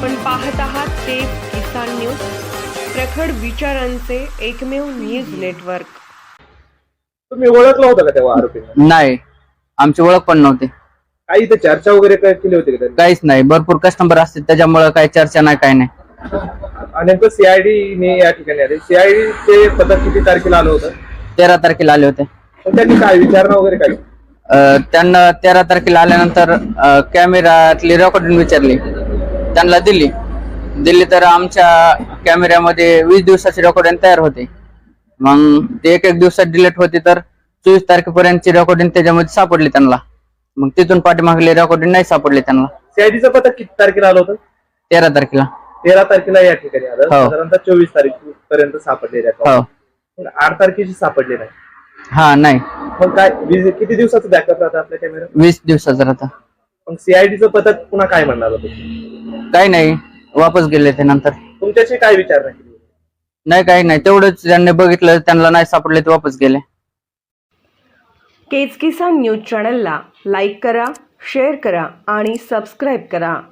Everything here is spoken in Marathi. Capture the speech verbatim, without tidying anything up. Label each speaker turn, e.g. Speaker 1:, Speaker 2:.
Speaker 1: आपण पाहत आहात तेज किसान न्यूज, प्रखड विचारांचे एकमेव न्यूज नेटवर्क।
Speaker 2: तुम्ही ओळखला होता का तेव्हा आरोपींना?
Speaker 3: नाही, आमची ओळख पण नव्हती।
Speaker 2: काही इथे चर्चा वगैरे काय केली होती का त्यांनी?
Speaker 3: काहीच नाही, भरपूर कस्टमर असते त्याच्यामुळे काही चर्चा नाही, काही नाही।
Speaker 2: आणि नेमकं सीआयडी ने या ठिकाणी आले, सीआयडी चे पथक किती तारखेला आलं होतं?
Speaker 3: तेरा तारखेला आले होते।
Speaker 2: पण त्यांनी काय विचारणा वगैरे काय?
Speaker 3: अं, त्यांना तेरा तारखेला आल्यानंतर कॅमेरातली रेकॉर्डिंग विचारली, त्यांना दिली दिली तर आमच्या कॅमेऱ्यामध्ये वीस दिवसाची रेकॉर्डिंग तयार होते। मग ते एक एक दिवसात डिलीट होती, तर चोवीस तारखेपर्यंतची रेकॉर्डिंग त्याच्यामध्ये सापडली त्यांना। मग तिथून पाठीमागली रेकॉर्डिंग नाही सापडली त्यांना।
Speaker 2: सीआयडीचं पथक किती तारखेला आलं होतं?
Speaker 3: तेरा तारखेला
Speaker 2: तेरा तारखेला या ठिकाणी आलं,
Speaker 3: हो।
Speaker 2: साधारणतः चोवीस तारीख पर्यंत सापडले
Speaker 3: हो।
Speaker 2: पण आठ तारखेची सापडले नाही।
Speaker 3: हा, नाही,
Speaker 2: मग काय वीस- किती दिवसाचं बॅकअप राहतं आपल्या कॅमेरा?
Speaker 3: वीस दिवसाचा राहता।
Speaker 2: मग सीआयडीचं पथक पुन्हा काय म्हणणार होतं?
Speaker 3: काही नाही, वापस गेले ते नंतर।
Speaker 2: तुमच्याशी काय विचारणा केली?
Speaker 3: नाही, काही नाही, तेवढंच ज्यांनी बघितलं त्यांना नाही सापडले ते वापस गेले।
Speaker 1: तेज किसान न्यूज चॅनलला लाईक करा, शेअर करा आणि सबस्क्राईब करा।